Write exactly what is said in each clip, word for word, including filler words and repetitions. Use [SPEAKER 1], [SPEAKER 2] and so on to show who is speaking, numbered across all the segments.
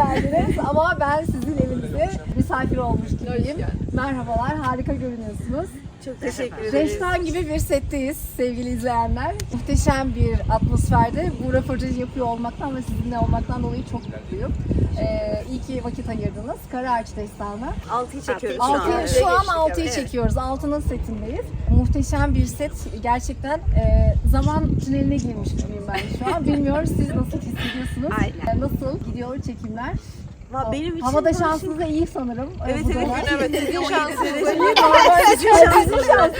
[SPEAKER 1] geldiniz ama ben sizin evinize misafir olmuş gibiyim. Merhabalar, harika görünüyorsunuz.
[SPEAKER 2] Çok teşekkür ederiz.
[SPEAKER 1] Reştan gibi bir setteyiz sevgili izleyenler. Muhteşem bir atmosferde bu röportajı yapıyor olmaktan ve sizinle olmaktan dolayı çok mutluyum. Ee, iyi ki vakit ayırdınız. Karaağaç Destanı.
[SPEAKER 2] altıyı çekiyoruz şu
[SPEAKER 1] Altıyı,
[SPEAKER 2] an.
[SPEAKER 1] şu an
[SPEAKER 2] Geçtik,
[SPEAKER 1] altıyı
[SPEAKER 2] evet.
[SPEAKER 1] çekiyoruz. Altının setindeyiz. Muhteşem bir set. Gerçekten e, zaman tüneline girmiş gibiyim ben şu an. Bilmiyorum siz nasıl hissediyorsunuz?
[SPEAKER 2] Aynen.
[SPEAKER 1] E, nasıl gidiyor çekimler?
[SPEAKER 2] Va- Benim için
[SPEAKER 1] Havada
[SPEAKER 2] bu işin-
[SPEAKER 1] şansınız da iyi sanırım. e,
[SPEAKER 2] Evet
[SPEAKER 1] bu
[SPEAKER 2] evet.
[SPEAKER 1] zaman.
[SPEAKER 2] Evet, sizin şansınız.
[SPEAKER 1] Sizin şans.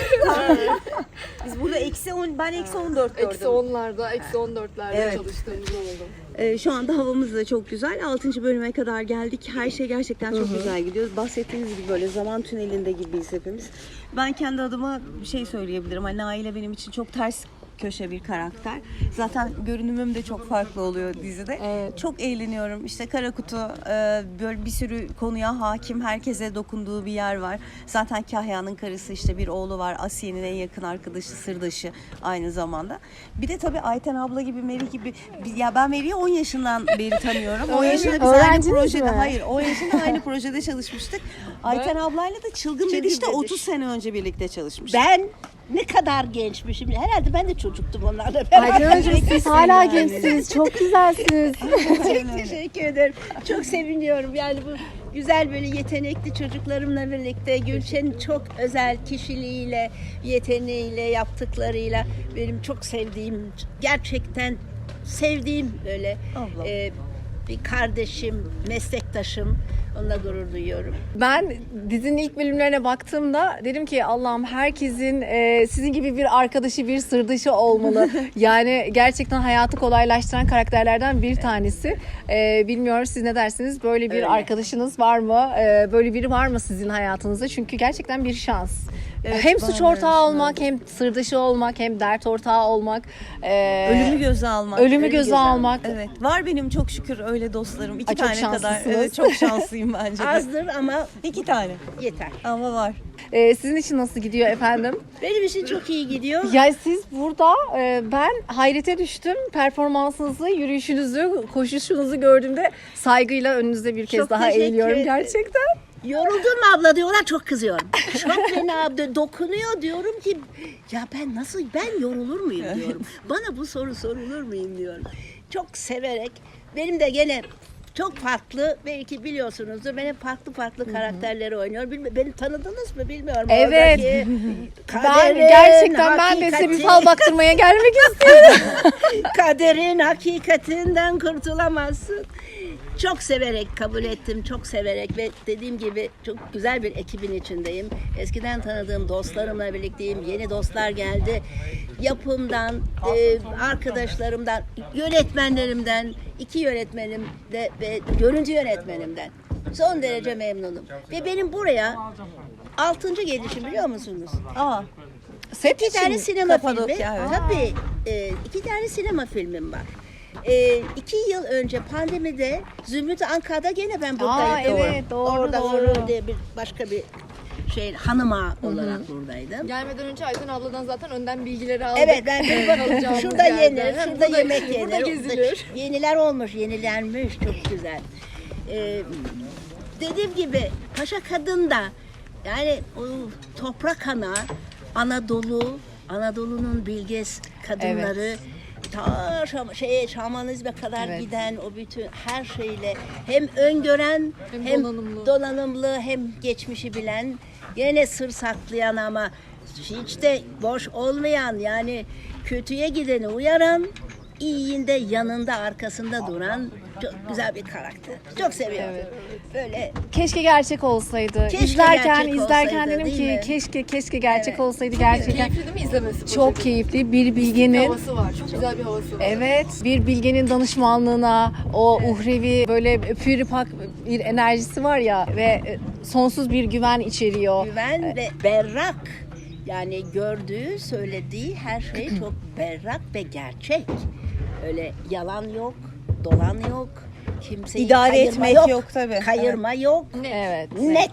[SPEAKER 2] Biz burada eksi on, ben eksi on dört gördüm.
[SPEAKER 3] Eksi onlarda, eksi on dörtlerde
[SPEAKER 2] Evet.
[SPEAKER 3] çalıştığımız oldu.
[SPEAKER 2] Ee, şu anda havamız da çok güzel. altıncı bölüme kadar geldik. Her şey gerçekten çok güzel gidiyor. Bahsettiğiniz gibi böyle zaman tünelinde gibiyiz hepimiz. Ben kendi adıma bir şey söyleyebilirim. Hani Naile benim için çok ters köşe bir karakter. Zaten görünümüm de çok farklı oluyor dizide.
[SPEAKER 1] Evet.
[SPEAKER 2] Çok eğleniyorum. İşte Kara Kutu e, böyle bir sürü konuya hakim, herkese dokunduğu bir yer var. Zaten Kahya'nın karısı, işte bir oğlu var. Asiye'nin en yakın arkadaşı, sırdaşı aynı zamanda. Bir de tabii Ayten abla gibi, Merih gibi. Ya ben Merih'i on yaşından beri tanıyorum. on yaşında biz aynı
[SPEAKER 1] Öğrenciniz
[SPEAKER 2] projede,
[SPEAKER 1] mi?
[SPEAKER 2] hayır on yaşında aynı projede çalışmıştık. Ayten ablayla da Çılgın Bediş'te
[SPEAKER 4] Bediş.
[SPEAKER 2] otuz sene önce birlikte çalışmıştık.
[SPEAKER 4] Ben ne kadar gençmişim. Herhalde ben de çocuktum onlarla beraber.
[SPEAKER 1] Ayten Hocam siz hala gençsiniz. Çok güzelsiniz.
[SPEAKER 4] Çok teşekkür ederim. Çok seviniyorum. Yani bu güzel böyle yetenekli çocuklarımla birlikte Gülşen'in çok özel kişiliğiyle, yeteneğiyle, yaptıklarıyla benim çok sevdiğim, gerçekten sevdiğim böyle
[SPEAKER 2] Abla.
[SPEAKER 4] e, bir kardeşim, meslektaşım. Onunla gurur duyuyorum.
[SPEAKER 1] Ben dizinin ilk bölümlerine baktığımda dedim ki Allah'ım herkesin e, sizin gibi bir arkadaşı, bir sırdaşı olmalı. Yani gerçekten hayatı kolaylaştıran karakterlerden bir tanesi. E, bilmiyorum siz ne dersiniz? Böyle bir
[SPEAKER 4] Öyle.
[SPEAKER 1] arkadaşınız var mı? E, böyle biri var mı sizin hayatınızda? Çünkü gerçekten bir şans.
[SPEAKER 2] Evet,
[SPEAKER 1] hem
[SPEAKER 2] bana
[SPEAKER 1] suç
[SPEAKER 2] da
[SPEAKER 1] ortağı
[SPEAKER 2] öyle
[SPEAKER 1] olmak, hem sırdaşı olmak, hem dert ortağı olmak. E,
[SPEAKER 2] Ölümü göze almak.
[SPEAKER 1] ölümü göze almak.
[SPEAKER 2] Evet. Var benim çok şükür öyle dostlarım. İki
[SPEAKER 1] Ay, çok
[SPEAKER 2] tane kadar.
[SPEAKER 1] şanslısınız.
[SPEAKER 2] Evet, çok şanslıyım bence de.
[SPEAKER 4] Azdır ama
[SPEAKER 2] İki tane.
[SPEAKER 4] yeter.
[SPEAKER 2] Ama var.
[SPEAKER 1] E, sizin için nasıl gidiyor efendim?
[SPEAKER 4] Benim için çok iyi gidiyor.
[SPEAKER 1] Ya siz burada e, ben hayrete düştüm. Performansınızı, yürüyüşünüzü, koşuşunuzu gördüğümde saygıyla önünüzde bir kez
[SPEAKER 4] Çok
[SPEAKER 1] daha
[SPEAKER 4] teşekkür
[SPEAKER 1] eğiliyorum
[SPEAKER 4] ederim.
[SPEAKER 1] gerçekten.
[SPEAKER 4] Yoruldun mu abla diyorlar, çok kızıyorum. Çok beni abla dokunuyor, diyorum ki ya ben nasıl, ben yorulur muyum diyorum. Bana bu soru sorulur muyum diyorum. Çok severek, benim de gene çok farklı, belki biliyorsunuzdur, benim farklı farklı karakterleri oynuyorum. Bilmi- Beni tanıdınız mı bilmiyorum.
[SPEAKER 1] Evet.
[SPEAKER 4] Oradaki
[SPEAKER 1] Ben
[SPEAKER 4] kaderin,
[SPEAKER 1] gerçekten ben de size bir
[SPEAKER 4] hakikati-
[SPEAKER 1] fal baktırmaya gelmek istiyorum.
[SPEAKER 4] Kaderin hakikatinden kurtulamazsın. Çok severek kabul ettim, çok severek ve dediğim gibi çok güzel bir ekibin içindeyim. Eskiden tanıdığım dostlarımla birlikteyim, yeni dostlar geldi. Yapımdan, e, arkadaşlarımdan, yönetmenlerimden, iki yönetmenim de ve görüntü yönetmenimden son derece memnunum. Ve benim buraya altıncı gelişim, biliyor musunuz?
[SPEAKER 2] Aa.
[SPEAKER 1] Set
[SPEAKER 4] İki tane
[SPEAKER 1] için.
[SPEAKER 4] sinema
[SPEAKER 2] Kapadokya,
[SPEAKER 4] filmi.
[SPEAKER 2] evet.
[SPEAKER 4] Tabii. E, iki tane sinema filmim var. E, iki yıl önce pandemide Zümrüt Ankara'da gene ben buradaydım.
[SPEAKER 1] evet, doğru,
[SPEAKER 4] Orada
[SPEAKER 1] doğru.
[SPEAKER 4] Orada diye bir başka bir şey hanıma olarak buradaydım.
[SPEAKER 3] Gelmeden önce Ayten abladan zaten önden bilgileri aldık.
[SPEAKER 4] Evet, ben bir bakın
[SPEAKER 3] Alacağımız
[SPEAKER 4] şurada
[SPEAKER 3] yerden.
[SPEAKER 4] yenir,
[SPEAKER 3] Hem
[SPEAKER 4] şurada
[SPEAKER 3] burada-
[SPEAKER 4] yemek yenir.
[SPEAKER 3] Burada gezilir.
[SPEAKER 4] Yeniler olmuş, yenilenmiş, çok güzel. Ee, dediğim gibi Paşa Kadın da yani o toprak ana, Anadolu, Anadolu'nun bilge kadınları ta Şam, şeye, şamanizme kadar
[SPEAKER 1] Evet.
[SPEAKER 4] giden o bütün her şeyle hem öngören hem,
[SPEAKER 3] Hem donanımlı.
[SPEAKER 4] donanımlı hem geçmişi bilen, gene sır saklayan ama hiç de boş olmayan, yani kötüye gideni uyaran, iyiyinde yanında arkasında duran çok güzel bir karakter. Çok seviyorum. Böyle
[SPEAKER 1] Keşke gerçek olsaydı.
[SPEAKER 4] Keşke
[SPEAKER 1] izlerken
[SPEAKER 4] gerçek
[SPEAKER 1] izlerken
[SPEAKER 4] olsaydı,
[SPEAKER 1] dedim
[SPEAKER 4] değil
[SPEAKER 1] ki
[SPEAKER 4] mi?
[SPEAKER 1] keşke keşke gerçek
[SPEAKER 4] Evet.
[SPEAKER 1] olsaydı gerçekten.
[SPEAKER 3] Keyifli değil mi izlemesi?
[SPEAKER 1] Çok
[SPEAKER 3] projenin?
[SPEAKER 1] keyifli bir
[SPEAKER 3] Bir
[SPEAKER 1] bilgenin.
[SPEAKER 3] havası var. Çok güzel bir havası var.
[SPEAKER 1] Evet, bir bilgenin danışmanlığına, o uhrevi böyle püripak bir enerjisi var ya ve e, sonsuz bir güven içeriyor.
[SPEAKER 4] güven ve berrak. Yani gördüğü, söylediği her şey çok berrak ve gerçek. Öyle yalan yok, dolan yok. Kimseyi
[SPEAKER 2] İdare
[SPEAKER 4] kayırma
[SPEAKER 2] etmek yok tabii.
[SPEAKER 4] Kayırma yok.
[SPEAKER 1] Evet.
[SPEAKER 4] Net.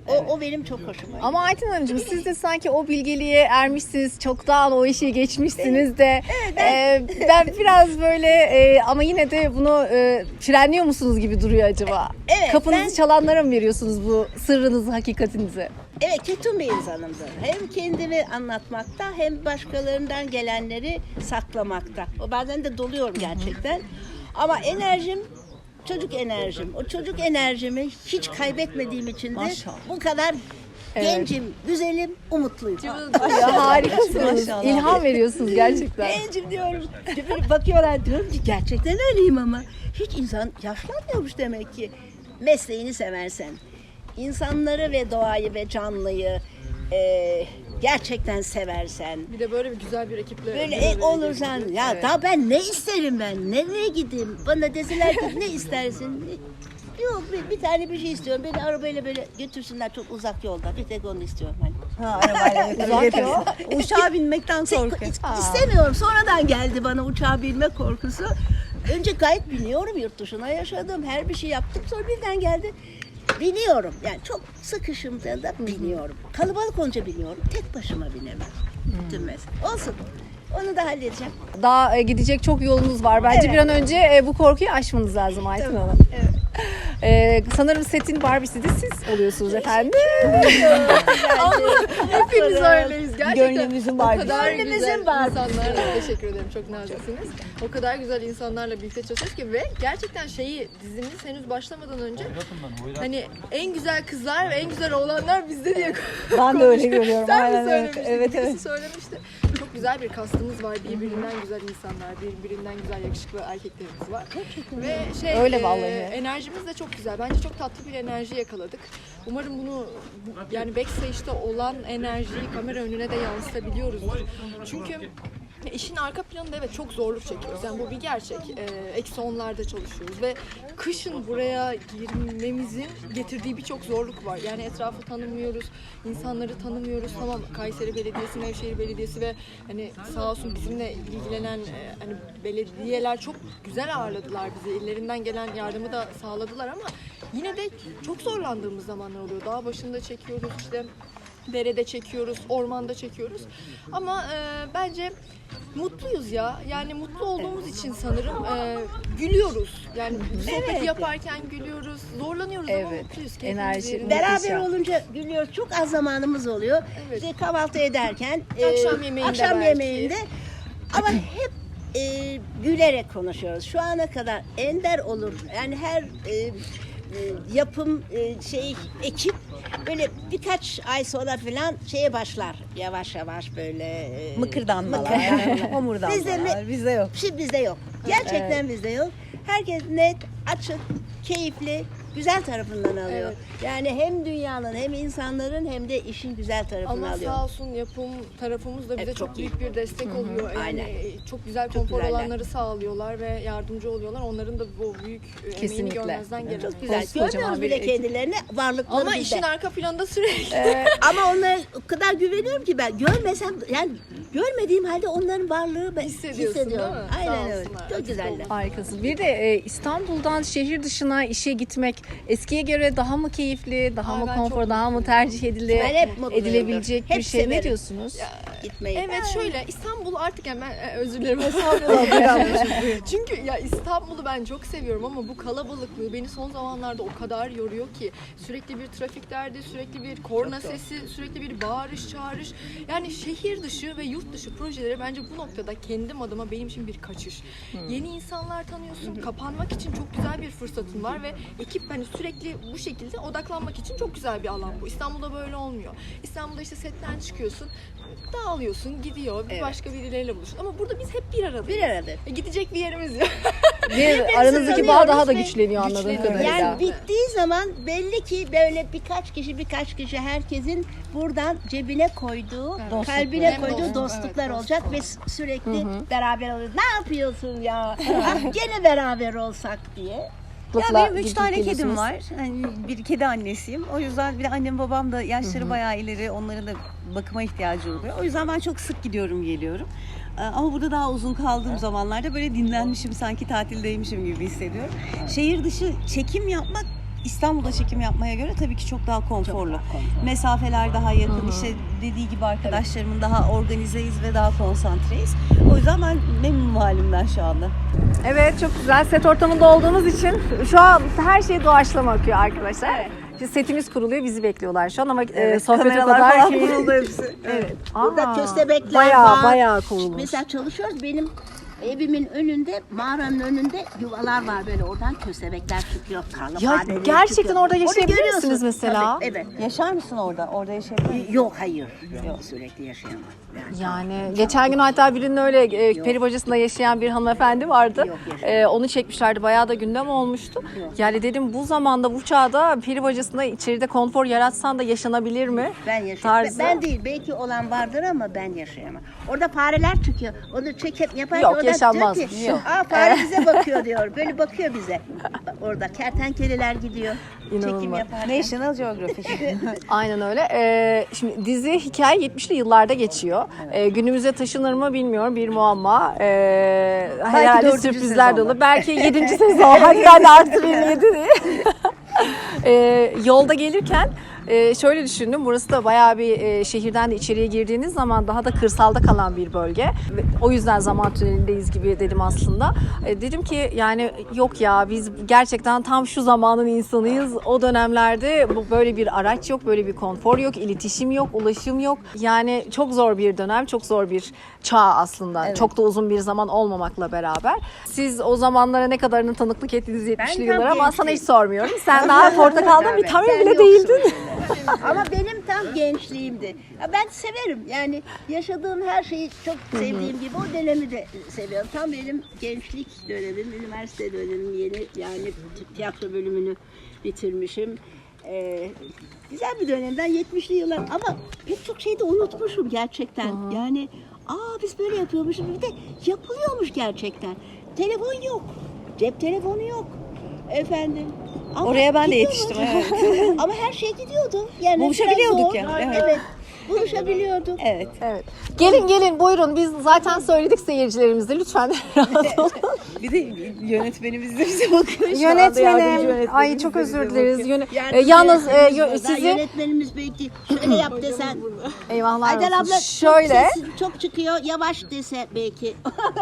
[SPEAKER 4] O, o benim çok hoşuma gidiyor.
[SPEAKER 1] Ama Ayten Hanımcığım siz de sanki o bilgeliğe ermişsiniz. Çoktan o işi geçmişsiniz de. ben... ben biraz böyle e, ama yine de bunu e, frenliyor musunuz gibi duruyor acaba?
[SPEAKER 4] Evet,
[SPEAKER 1] Kapınızı
[SPEAKER 4] ben-
[SPEAKER 1] çalanlara mı veriyorsunuz bu sırrınızı, hakikatinizi?
[SPEAKER 4] Evet, ketum bir insanımdır. Hem kendimi anlatmakta hem başkalarından gelenleri saklamakta. O bazen de doluyorum gerçekten. Ama enerjim çocuk enerjim. O çocuk enerjimi hiç kaybetmediğim için de
[SPEAKER 2] Maşallah.
[SPEAKER 4] bu kadar gencim, güzelim, umutluyum.
[SPEAKER 1] Ya harikasınız.
[SPEAKER 2] Maşallah.
[SPEAKER 1] İlham veriyorsunuz gerçekten.
[SPEAKER 4] Gencim diyorum. Böyle bakıyorlar diyorum ki gerçekten öyleyim ama. Hiç insan yaşlanmıyormuş demek ki. Mesleğini seversen, insanları ve doğayı ve canlıyı e, gerçekten seversen,
[SPEAKER 3] Bir de böyle bir güzel bir ekiple.
[SPEAKER 4] böyle
[SPEAKER 3] bir
[SPEAKER 4] e,
[SPEAKER 3] araya
[SPEAKER 4] olursan
[SPEAKER 3] gelince.
[SPEAKER 4] ya
[SPEAKER 3] Evet.
[SPEAKER 4] daha ben ne isterim ben? Nereye gideyim? Bana deseler ki ne istersin? Ne- Yok bir, bir tane bir şey istiyorum. Beni arabayla böyle götürsünler çok uzak yolda. Bir tek onu istiyorum hani.
[SPEAKER 2] Ha, arabayla götürüyor. Uçağa binmekten korkuyor.
[SPEAKER 4] İst- İstemiyorum. Sonradan geldi bana uçağa binme korkusu. Önce gayet biniyorum, yurt dışına yaşadım. Her bir şey yaptım. Sonra birden geldi. Biniyorum. Yani çok sıkışımda da biniyorum. Kalabalık olunca biniyorum. Tek başıma binemem. Bütün mesele. Olsun. Onu da halledeceğim.
[SPEAKER 1] Daha e, gidecek çok yolunuz var. Bence
[SPEAKER 4] Evet.
[SPEAKER 1] bir an önce e, bu korkuyu aşmanız lazım Ayten Hanım.
[SPEAKER 4] Evet.
[SPEAKER 1] E, sanırım setin Barbie'si de siz oluyorsunuz efendim.
[SPEAKER 3] Hepimiz öyleyiz gerçekten.
[SPEAKER 2] Gönlümüzün
[SPEAKER 3] O
[SPEAKER 2] Barbie'si.
[SPEAKER 3] kadar
[SPEAKER 4] Gönlümüzün
[SPEAKER 3] güzel
[SPEAKER 4] Barbie'si.
[SPEAKER 3] insanlarla teşekkür ederim. Çok naziksiniz. O kadar güzel insanlarla birlikte çalışıyoruz ki ve gerçekten şeyi dizimiz henüz başlamadan önce hani en güzel kızlar ve en güzel oğlanlar bizde diye
[SPEAKER 2] Ben de öyle görüyorum.
[SPEAKER 3] Sen
[SPEAKER 2] Aynen
[SPEAKER 3] mi
[SPEAKER 2] öyle.
[SPEAKER 3] söylemiştin?
[SPEAKER 2] Evet,
[SPEAKER 3] Birisi
[SPEAKER 2] evet.
[SPEAKER 3] söylemişti. Çok güzel bir kastımız var. Birbirinden güzel insanlar, birbirinden güzel yakışıklı erkeklerimiz var. Ve şey
[SPEAKER 1] Öyle
[SPEAKER 3] e,
[SPEAKER 1] vallahi.
[SPEAKER 3] enerjimiz de çok güzel. Bence çok tatlı bir enerji yakaladık. Umarım bunu bu- yani backstage'de olan enerjiyi kamera önüne de yansıtabiliyoruzdur. Çünkü işin arka planında evet çok zorluk çekiyoruz. Yani bu bir gerçek. Ee, eksi onlarda çalışıyoruz ve kışın buraya girmemizin getirdiği birçok zorluk var. Yani etrafı tanımıyoruz, insanları tanımıyoruz. Tamam Kayseri Belediyesi, Nevşehir Belediyesi ve hani sağ olsun bizimle ilgilenen e, hani belediyeler çok güzel ağırladılar bizi. Ellerinden gelen yardımı da sağladılar ama yine de çok zorlandığımız zamanlar oluyor. Dağ başında çekiyoruz işte. Derede çekiyoruz, ormanda çekiyoruz. Ama e, bence mutluyuz ya. Yani mutlu olduğumuz için sanırım e, gülüyoruz. Yani bu sohbeti
[SPEAKER 4] Evet.
[SPEAKER 3] yaparken gülüyoruz. Zorlanıyoruz ama
[SPEAKER 1] Evet,
[SPEAKER 3] mutluyuz. Keyfimiz
[SPEAKER 1] enerji-
[SPEAKER 3] yerinde.
[SPEAKER 1] Beraber
[SPEAKER 4] Beraber
[SPEAKER 1] Muhteşem.
[SPEAKER 4] olunca gülüyoruz. Çok az zamanımız oluyor.
[SPEAKER 3] Evet.
[SPEAKER 4] İşte kahvaltı ederken,
[SPEAKER 3] Akşam
[SPEAKER 4] e,
[SPEAKER 3] yemeğinde
[SPEAKER 4] akşam
[SPEAKER 3] belki.
[SPEAKER 4] yemeğinde ama hep e, gülerek konuşuyoruz. Şu ana kadar ender olur. Yani her e, e, yapım e, şey ekip böyle birkaç ay sonra falan şeye başlar. Yavaş yavaş böyle e,
[SPEAKER 2] Mıkırdanmalar,
[SPEAKER 4] mıkırdanmalar.
[SPEAKER 2] homurdanmalar.
[SPEAKER 4] Bizde mi-
[SPEAKER 2] Bizde yok.
[SPEAKER 4] Şimdi bizde yok. Gerçekten bizde yok. Herkes net, açık, keyifli, güzel tarafından alıyor.
[SPEAKER 3] Evet.
[SPEAKER 4] Yani hem dünyanın hem insanların hem de işin güzel tarafını
[SPEAKER 3] Ama
[SPEAKER 4] alıyor.
[SPEAKER 3] sağ olsun yapım tarafımız da bize
[SPEAKER 4] Evet,
[SPEAKER 3] çok,
[SPEAKER 4] çok
[SPEAKER 3] büyük bir destek oluyor. Yani
[SPEAKER 4] Aynen.
[SPEAKER 3] çok güzel
[SPEAKER 4] Çok
[SPEAKER 3] konfor
[SPEAKER 4] güzeller.
[SPEAKER 3] alanları sağlıyorlar ve yardımcı oluyorlar. Onların da bu büyük e, emeğini
[SPEAKER 1] Kesinlikle.
[SPEAKER 3] görmezden gelemeyiz.
[SPEAKER 4] Çok güzel.
[SPEAKER 1] Koskocaman
[SPEAKER 4] Görmüyoruz
[SPEAKER 1] bir
[SPEAKER 4] bile
[SPEAKER 1] ekip.
[SPEAKER 4] kendilerini, varlıkları
[SPEAKER 3] Ama
[SPEAKER 4] bizde.
[SPEAKER 3] işin arka planda sürekli
[SPEAKER 4] Ama onlara o kadar güveniyorum ki ben görmesem yani görmediğim halde onların varlığı ben
[SPEAKER 3] Hissediyorsun,
[SPEAKER 4] hissediyorum.
[SPEAKER 3] değil mi?
[SPEAKER 4] Aynen
[SPEAKER 3] Sağ
[SPEAKER 4] öyle.
[SPEAKER 3] olsunlar.
[SPEAKER 4] Çok
[SPEAKER 3] Açık
[SPEAKER 4] güzeller.
[SPEAKER 3] olun.
[SPEAKER 1] Harikasınız. Bir de e, İstanbul'dan şehir dışına işe gitmek eskiye göre daha mı keyifli, daha
[SPEAKER 3] Ay,
[SPEAKER 1] mı
[SPEAKER 3] ben
[SPEAKER 1] konfor,
[SPEAKER 3] çok
[SPEAKER 1] daha mı tercih edile,
[SPEAKER 4] Ben hep mutluyumdur.
[SPEAKER 1] edilebilecek bir
[SPEAKER 4] Hep
[SPEAKER 1] şey? Ne
[SPEAKER 4] severim.
[SPEAKER 1] diyorsunuz?
[SPEAKER 4] Gitmeyi.
[SPEAKER 3] Evet şöyle İstanbul artık hemen e, özür dilerim. Çünkü ya İstanbul'u ben çok seviyorum ama bu kalabalıklığı beni son zamanlarda o kadar yoruyor ki sürekli bir trafik derdi, sürekli bir korna sesi, sürekli bir bağırış çağırış. Yani şehir dışı ve yurt dışı projeleri bence bu noktada kendim adıma benim için bir kaçış. Yeni insanlar tanıyorsun, kapanmak için çok güzel bir fırsatın var ve ekip hani sürekli bu şekilde odaklanmak için çok güzel bir alan bu. İstanbul'da böyle olmuyor. İstanbul'da işte setten çıkıyorsun, dağılıyorsun, gidiyor, bir
[SPEAKER 4] Evet.
[SPEAKER 3] başka birileriyle buluşuyorsun. Ama burada biz hep bir aradayız.
[SPEAKER 4] Bir arada.
[SPEAKER 3] E, gidecek bir yerimiz yok.
[SPEAKER 1] Ve aranızdaki bağ daha da güçleniyor anladığım
[SPEAKER 3] güçleniyor.
[SPEAKER 1] kadarıyla.
[SPEAKER 4] Yani bittiği zaman belli ki böyle birkaç kişi birkaç kişi herkesin buradan cebine koyduğu, kalbine
[SPEAKER 3] Hem
[SPEAKER 4] koyduğu
[SPEAKER 3] dostluk,
[SPEAKER 4] dostluklar
[SPEAKER 3] evet,
[SPEAKER 4] olacak ve sürekli beraber oluyoruz. Ne yapıyorsun ya? Ah, gene beraber olsak diye.
[SPEAKER 2] Ya
[SPEAKER 1] Mutlaka
[SPEAKER 2] benim üç
[SPEAKER 1] gidip
[SPEAKER 2] tane kedim
[SPEAKER 1] geliyorsunuz.
[SPEAKER 2] var. Hani bir kedi annesiyim. O yüzden bir de annem babam da yaşları bayağı ileri. Onların da bakıma ihtiyacı oluyor. O yüzden ben çok sık gidiyorum geliyorum. Ee, Ama burada daha uzun kaldığım zamanlarda böyle dinlenmişim, sanki tatildeymişim gibi hissediyorum. Şehir dışı çekim yapmak İstanbul'da çekim yapmaya göre tabii ki çok daha konforlu. Mesafeler daha yakın. İşte dediği gibi arkadaşlarımın daha organizeyiz ve daha konsantreyiz. O yüzden ben memnunum halimden şu anda.
[SPEAKER 1] Evet, çok güzel. Set ortamında olduğumuz için şu an her şey doğaçlama akıyor arkadaşlar. İşte setimiz kuruluyor, bizi bekliyorlar şu an ama e, sohbet o
[SPEAKER 2] kameralar
[SPEAKER 1] kadar
[SPEAKER 2] falan
[SPEAKER 1] keyifli.
[SPEAKER 2] kuruldu hepsi.
[SPEAKER 1] Evet.
[SPEAKER 4] Burada
[SPEAKER 1] Aa,
[SPEAKER 4] köstebekler
[SPEAKER 1] bayağı,
[SPEAKER 4] var.
[SPEAKER 1] Bayağı kurulmuş.
[SPEAKER 4] Mesela çalışıyoruz. Benim evimin önünde, mağaranın önünde yuvalar var böyle. Oradan köstebekler çıkıyor. Karlı
[SPEAKER 1] Ya
[SPEAKER 4] fareler
[SPEAKER 1] gerçekten
[SPEAKER 4] çıkıyor.
[SPEAKER 1] orada yaşayabilir
[SPEAKER 4] görüyorsun.
[SPEAKER 1] misiniz mesela?
[SPEAKER 4] Tabii, evet.
[SPEAKER 2] Yaşar mısın orada? Orada yaşayabilir misin?
[SPEAKER 4] Yok hayır. Yok. Sürekli yaşayamam. Yani.
[SPEAKER 1] Yani geçen gün hatta birinin öyle e, peri bacasında yaşayan bir hanımefendi vardı.
[SPEAKER 4] Yok, yaşayamam.
[SPEAKER 1] E, onu çekmişlerdi. Bayağı da gündem olmuştu. Yani dedim bu zamanda bu çağda peri bacasında içeride konfor yaratsan da yaşanabilir mi?
[SPEAKER 4] Ben yaşayamam.
[SPEAKER 1] Tarzı.
[SPEAKER 4] Ben değil. Belki olan vardır ama ben yaşayamam. Orada fareler çıkıyor. Onu çekip yapar.
[SPEAKER 1] Yok,
[SPEAKER 4] orada
[SPEAKER 1] yaşanmaz.
[SPEAKER 4] diyor ki,
[SPEAKER 1] Yok.
[SPEAKER 4] Aa fare bize bakıyor diyor. Böyle bakıyor bize. Orada kertenkeleler gidiyor. Çekim
[SPEAKER 1] İnanılmaz.
[SPEAKER 4] yaparken.
[SPEAKER 2] National Geographic.
[SPEAKER 1] Aynen öyle. Ee, şimdi dizi hikaye yetmişli yıllarda geçiyor. Ee, günümüze taşınır mı bilmiyorum. Bir muamma. Ee, herhalde
[SPEAKER 2] dördüncü
[SPEAKER 1] sürprizler
[SPEAKER 2] sezonda.
[SPEAKER 1] dolu. Belki yedinci sezon. Hadi ben de arttırayım yedi diye. Ee, yolda gelirken e, şöyle düşündüm. Burası da bayağı bir e, şehirden de içeriye girdiğiniz zaman daha da kırsalda kalan bir bölge. Ve o yüzden zaman tünelindeyiz gibi dedim aslında. E, dedim ki yani yok ya biz gerçekten tam şu zamanın insanıyız. O dönemlerde bu böyle bir araç yok, böyle bir konfor yok, iletişim yok, ulaşım yok. Yani çok zor bir dönem, çok zor bir çağ aslında. Çok da uzun bir zaman olmamakla beraber. Siz o zamanlara ne kadarını tanıklık ettiğiniz yetmişli
[SPEAKER 4] tam
[SPEAKER 1] yıllar ama sana hiç
[SPEAKER 4] gençliğim.
[SPEAKER 1] sormuyorum. Sen daha portakalda bir tane
[SPEAKER 4] Sen
[SPEAKER 1] bile
[SPEAKER 4] yoksun
[SPEAKER 1] değildin.
[SPEAKER 4] öyle. Ama benim tam gençliğimdi. Ya ben severim. Yani yaşadığım her şeyi çok sevdiğim gibi o dönemi de seviyorum. Tam benim gençlik dönemim, üniversite dönemim yeni yani tiyatro bölümünü bitirmişim. Ee, güzel bir dönemden yetmişli yıllar ama pek çok şeyi de unutmuşum gerçekten. Yani aa biz böyle yapıyormuşuz bir de yapılıyormuş gerçekten. Telefon yok. Cep telefonu yok. Efendim. Ama
[SPEAKER 2] Oraya ben de
[SPEAKER 4] gidiyormuş.
[SPEAKER 2] yetiştim, evet.
[SPEAKER 4] Ama her şey gidiyordu. Yani
[SPEAKER 2] Buluşabiliyorduk
[SPEAKER 4] biraz zor.
[SPEAKER 2] ya,
[SPEAKER 4] Evet.
[SPEAKER 2] evet.
[SPEAKER 4] Buluşabiliyorduk.
[SPEAKER 2] Evet.
[SPEAKER 1] Evet. Gelin gelin buyurun biz zaten söyledik seyircilerimize lütfen rahat olun.
[SPEAKER 2] Bir de yönetmenimiz de bize bakıyor şu anda. Yardımcı
[SPEAKER 1] Yönetmenim.
[SPEAKER 2] yönetmenimiz
[SPEAKER 1] Ay
[SPEAKER 2] de
[SPEAKER 1] çok
[SPEAKER 2] bize
[SPEAKER 1] özür
[SPEAKER 2] bakıyor.
[SPEAKER 1] dileriz. Yöne-
[SPEAKER 4] Yani
[SPEAKER 1] E, yalnız e,
[SPEAKER 4] yönetmenimiz
[SPEAKER 1] yö-
[SPEAKER 4] burada.
[SPEAKER 1] sizi
[SPEAKER 4] Yönetmenimiz belki şöyle yap desen.
[SPEAKER 1] eyvahlar
[SPEAKER 4] Aydan
[SPEAKER 1] olsun.
[SPEAKER 4] abla
[SPEAKER 1] Şöyle
[SPEAKER 4] çok, sesi çok çıkıyor. Yavaş dese belki.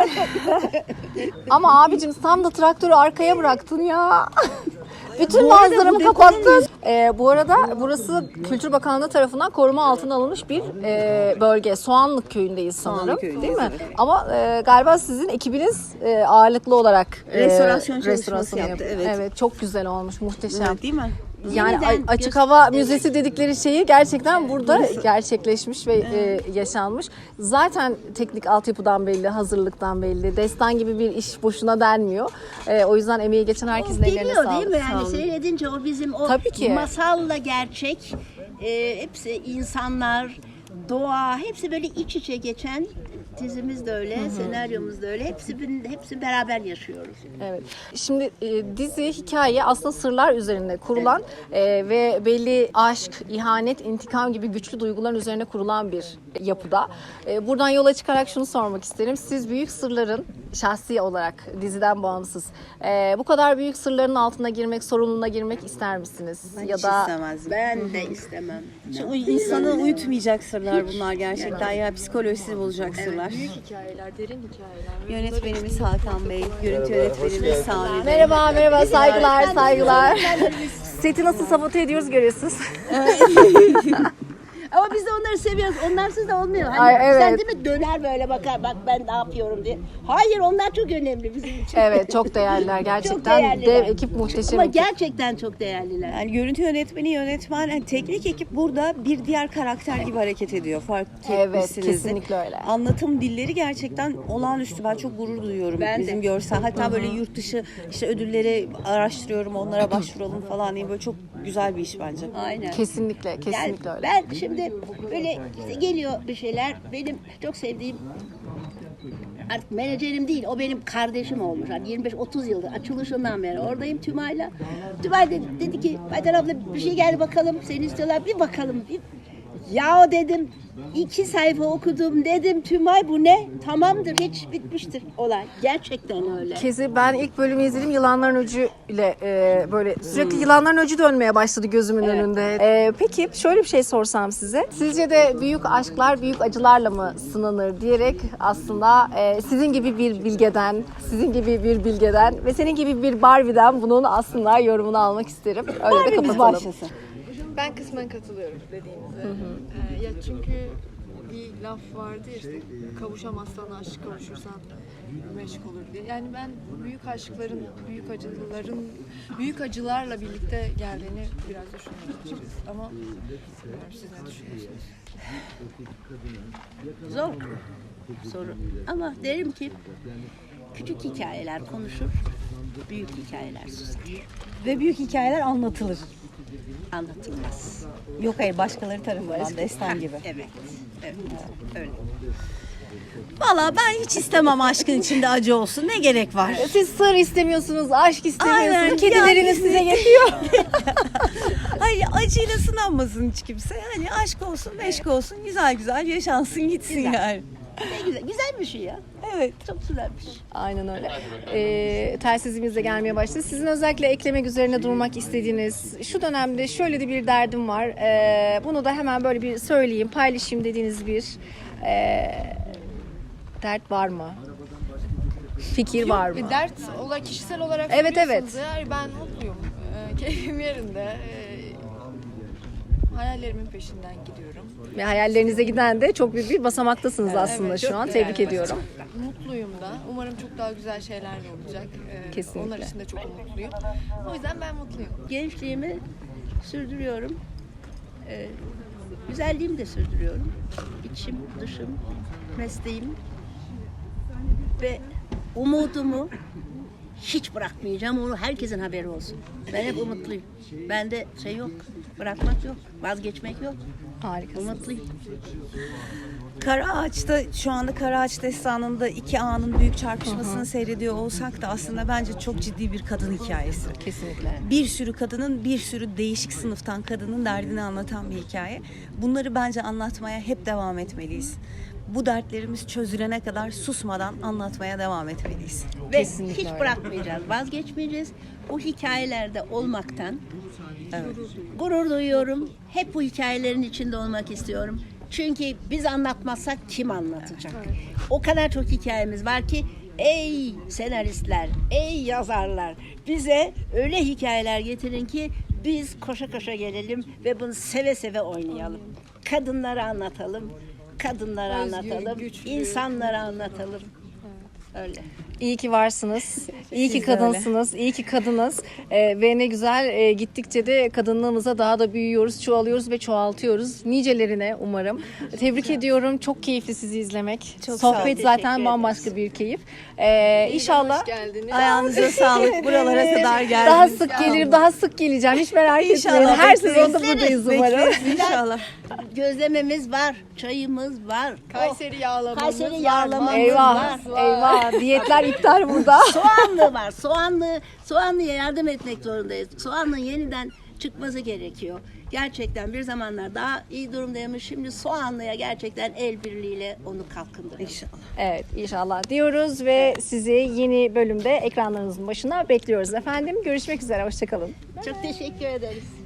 [SPEAKER 1] ama abicim sen de traktörü arkaya bıraktın ya. Bütün
[SPEAKER 2] Bu arada
[SPEAKER 1] manzaramı
[SPEAKER 2] bu
[SPEAKER 1] kapattın. Ee, bu arada burası Kültür Bakanlığı tarafından koruma altına alınmış bir e, bölge. Soğanlık köyündeyiz sanırım.
[SPEAKER 2] Soğanlık köyündeyiz,
[SPEAKER 1] değil mi?
[SPEAKER 2] evet.
[SPEAKER 1] Ama e, galiba sizin ekibiniz e, ağırlıklı olarak e,
[SPEAKER 2] Restorasyon çalışması
[SPEAKER 1] restorasyon
[SPEAKER 2] yaptı,
[SPEAKER 1] yapıyor.
[SPEAKER 2] evet.
[SPEAKER 1] Evet, çok güzel olmuş, muhteşem.
[SPEAKER 2] Evet, değil mi?
[SPEAKER 1] Yani
[SPEAKER 4] Yeniden
[SPEAKER 1] a- açık
[SPEAKER 4] göz-
[SPEAKER 1] hava
[SPEAKER 4] evet.
[SPEAKER 1] müzesi dedikleri şeyi gerçekten burada gerçekleşmiş ve e, yaşanmış. Zaten teknik altyapıdan belli, hazırlıktan belli. Destan gibi bir iş boşuna denmiyor. E, o yüzden emeği geçen herkesin ellerine
[SPEAKER 4] Geliyor
[SPEAKER 1] sağlık.
[SPEAKER 4] değil mi?
[SPEAKER 1] Sağ
[SPEAKER 4] Yani
[SPEAKER 1] olun.
[SPEAKER 4] seyredince o bizim o
[SPEAKER 1] Tabii ki.
[SPEAKER 4] masalla gerçek. E, hepsi insanlar, doğa, hepsi böyle iç içe geçen dizimiz de öyle, senaryomuz da öyle. Hepsi hepsi beraber yaşıyoruz.
[SPEAKER 1] Evet. Şimdi e, dizi hikaye aslında sırlar üzerine kurulan e, ve belli aşk, ihanet, intikam gibi güçlü duyguların üzerine kurulan bir yapıda. E, buradan yola çıkarak şunu sormak isterim. Siz büyük sırların şahsi olarak diziden bağımsız e, bu kadar büyük sırların altına girmek, sorumluluğuna girmek ister misiniz? ya
[SPEAKER 2] Hiç
[SPEAKER 1] da
[SPEAKER 2] istemezdim.
[SPEAKER 4] Ben de istemem.
[SPEAKER 2] Şu insanı uyutmayacak sırlar bunlar gerçekten. Ya psikolojisini bozacak sırlar.
[SPEAKER 3] Büyük hikayeler, derin hikayeler. Ve
[SPEAKER 2] Yönetmenimiz Hakan Bey, görüntü yönetmenimiz Sami Bey.
[SPEAKER 1] merhaba, merhaba, saygılar, saygılar. Seti nasıl sabote ediyoruz görüyorsunuz.
[SPEAKER 4] Ama biz de onları seviyoruz. Onlarsız da olmuyor. Hani
[SPEAKER 1] Ay, evet.
[SPEAKER 4] Sen değil mi döner böyle bakar bak ben ne yapıyorum diye. Hayır onlar çok önemli bizim için.
[SPEAKER 1] Evet, çok değerliler
[SPEAKER 4] Çok
[SPEAKER 1] gerçekten.
[SPEAKER 4] değerliler.
[SPEAKER 1] Dev ekip, muhteşem
[SPEAKER 4] Ama
[SPEAKER 1] ekip.
[SPEAKER 4] gerçekten çok değerliler.
[SPEAKER 2] Yani görüntü yönetmeni, yönetmen, yani teknik ekip burada bir diğer karakter gibi hareket ediyor. Fark
[SPEAKER 1] Evet,
[SPEAKER 2] etmişsinizdir.
[SPEAKER 1] kesinlikle öyle.
[SPEAKER 2] Anlatım dilleri gerçekten olağanüstü. Ben çok gurur duyuyorum
[SPEAKER 4] Ben de.
[SPEAKER 2] bizim görsel. Hatta böyle yurt dışı işte ödülleri araştırıyorum, onlara başvuralım falan diye, böyle çok güzel bir iş bence.
[SPEAKER 4] Aynen.
[SPEAKER 1] Kesinlikle, kesinlikle
[SPEAKER 4] Yani
[SPEAKER 1] öyle.
[SPEAKER 4] ben şimdi böyle işte geliyor bir şeyler. Benim çok sevdiğim artık menajerim değil, o benim kardeşim olmuş. Hani yirmi beş otuz yıldır açılışından beri oradayım Tümay'la. Tümay dedi, dedi ki Aydan abla bir şey geldi bakalım, seni istiyorlar bir bakalım. Bir, Ya dedim iki sayfa okudum dedim Tümay bu ne? Tamamdır hiç bitmiştir olay. Gerçekten öyle.
[SPEAKER 1] Kezi ben ilk bölümü izledim yılanların öcü ile e, böyle sürekli yılanların öcü dönmeye başladı gözümün önünde. E, peki şöyle bir şey sorsam size. Sizce de büyük aşklar büyük acılarla mı sınanır diyerek aslında e, sizin gibi bir bilgeden, sizin gibi bir bilgeden ve senin gibi bir Barbie'den bunun aslında yorumunu almak isterim. Öyle de
[SPEAKER 4] Barbie'miz
[SPEAKER 1] kapatalım.
[SPEAKER 4] başlasın.
[SPEAKER 3] Ben kısmen katılıyorum dediğinize. Ee, ya çünkü bir laf vardı ya işte kavuşamazsan aşk, kavuşursan meşk olur diye. Yani ben büyük aşkların, büyük acıların, büyük acılarla birlikte geldiğini biraz düşünüyorum açıkçası. Ama bilmiyorum, siz ne düşünüyorsunuz?
[SPEAKER 4] Zor soru. Ama derim ki küçük hikayeler konuşur, büyük hikayeler susar.
[SPEAKER 2] Ve büyük hikayeler anlatılır.
[SPEAKER 4] Anlatılmaz.
[SPEAKER 2] Yok hayır, başkaları tarafından destan gibi.
[SPEAKER 4] Evet. Evet. Öyle.
[SPEAKER 2] Valla ben hiç istemem aşkın içinde acı olsun. Ne gerek var?
[SPEAKER 1] Siz sır istemiyorsunuz, aşk istemiyorsunuz.
[SPEAKER 2] Aynen,
[SPEAKER 1] Kedileriniz
[SPEAKER 2] yani-
[SPEAKER 1] size yetiyor.
[SPEAKER 2] Hayır, acıyla sınanmasın hiç kimse. Hani aşk olsun, meşk olsun, güzel güzel yaşansın gitsin
[SPEAKER 4] Güzel.
[SPEAKER 2] yani.
[SPEAKER 4] Ne güzel. Güzel bir şey ya.
[SPEAKER 2] Evet.
[SPEAKER 4] Çok güzelmiş.
[SPEAKER 1] Aynen öyle. Ee, telsizimiz de gelmeye başladı. Sizin özellikle eklemek üzerine durmak istediğiniz, şu dönemde şöyle de bir derdim var. Ee, bunu da hemen böyle bir söyleyeyim, paylaşayım dediğiniz bir e, dert var mı? Fikir var mı?
[SPEAKER 3] Bir dert olarak, kişisel olarak
[SPEAKER 1] Evet,
[SPEAKER 3] soruyorsanız
[SPEAKER 1] evet.
[SPEAKER 3] eğer ben mutluyum. Ee, keyfim yerinde. Ee, hayallerimin peşinden gidiyorum.
[SPEAKER 1] Ve hayallerinize giden de çok büyük bir basamaktasınız aslında
[SPEAKER 3] Evet,
[SPEAKER 1] şu
[SPEAKER 3] çok
[SPEAKER 1] an.
[SPEAKER 3] güzel.
[SPEAKER 1] Tebrik ediyorum.
[SPEAKER 3] Mutluyum da. Umarım çok daha güzel şeyler de olacak. Ee,
[SPEAKER 1] Kesinlikle.
[SPEAKER 3] Onlar için de çok umutluyum. O yüzden ben mutluyum.
[SPEAKER 4] Gençliğimi sürdürüyorum. Ee, güzelliğimi de sürdürüyorum. İçim, dışım, mesleğim ve umudumu hiç bırakmayacağım. Onu herkesin haberi olsun. Ben hep umutluyum. Bende şey yok, bırakmak yok, vazgeçmek yok.
[SPEAKER 1] Harikasınız.
[SPEAKER 4] Umutluyum.
[SPEAKER 2] Karaağaç'ta şu anda Karaağaç destanında iki ağanın büyük çarpışmasını seyrediyor olsak da aslında bence çok ciddi bir kadın hikayesi.
[SPEAKER 1] Kesinlikle.
[SPEAKER 2] Bir sürü kadının, bir sürü değişik sınıftan kadının derdini anlatan bir hikaye. Bunları bence anlatmaya hep devam etmeliyiz. Bu dertlerimiz çözülene kadar susmadan anlatmaya devam etmeliyiz.
[SPEAKER 4] Ve
[SPEAKER 1] Kesinlikle
[SPEAKER 4] hiç
[SPEAKER 1] öyle.
[SPEAKER 4] bırakmayacağız, vazgeçmeyeceğiz. Bu hikayelerde olmaktan gurur duyuyorum. Hep bu hikayelerin içinde olmak istiyorum. Çünkü biz anlatmazsak kim anlatacak? O kadar çok hikayemiz var ki ey senaristler, ey yazarlar bize öyle hikayeler getirin ki biz koşa koşa gelelim ve bunu seve seve oynayalım. Kadınlara anlatalım, kadınlara
[SPEAKER 3] Özgür,
[SPEAKER 4] anlatalım,
[SPEAKER 3] güçlü.
[SPEAKER 4] insanlara anlatalım. Öyle.
[SPEAKER 1] İyi ki varsınız. İyi ki
[SPEAKER 2] Siz de öyle.
[SPEAKER 1] kadınsınız. İyi ki kadınız. Ee, ve ne güzel e, gittikçe de kadınlığımıza daha da büyüyoruz, çoğalıyoruz ve çoğaltıyoruz. Nicelerine umarım. Tebrik ediyorum. Çok keyifli sizi izlemek.
[SPEAKER 2] Çok sağ olun.
[SPEAKER 1] Sohbet
[SPEAKER 4] Teşekkür
[SPEAKER 1] zaten
[SPEAKER 4] ederiz.
[SPEAKER 1] bambaşka bir keyif. Ee, inşallah
[SPEAKER 3] Hoş geldiniz.
[SPEAKER 2] Ayağınıza sağlık. Buralara kadar geldiniz.
[SPEAKER 1] daha sık gelirim, daha sık geleceğim. Hiç merak etmeyin.
[SPEAKER 2] İnşallah
[SPEAKER 1] Her
[SPEAKER 2] bekleriz.
[SPEAKER 1] sezonda buradayız umarım.
[SPEAKER 2] Bekleriz inşallah.
[SPEAKER 4] Gözlememiz var, çayımız var.
[SPEAKER 3] Kayseri yağlamamız
[SPEAKER 4] Kayseri
[SPEAKER 3] var,
[SPEAKER 4] yağlamamız
[SPEAKER 1] Eyvah,
[SPEAKER 4] var.
[SPEAKER 1] eyvah. Diyetler iptal burada.
[SPEAKER 4] Soğanlı var. Soğanlı, Soğanlı'ya yardım etmek zorundayız. Soğanlı'nın yeniden çıkması gerekiyor. Gerçekten bir zamanlar daha iyi durumdaymış. Şimdi Soğanlı'ya gerçekten el birliğiyle onu kalkındıralım.
[SPEAKER 2] İnşallah.
[SPEAKER 1] Evet, inşallah diyoruz ve sizi yeni bölümde ekranlarınızın başına bekliyoruz efendim. Görüşmek üzere, hoşçakalın.
[SPEAKER 4] Çok teşekkür ederiz.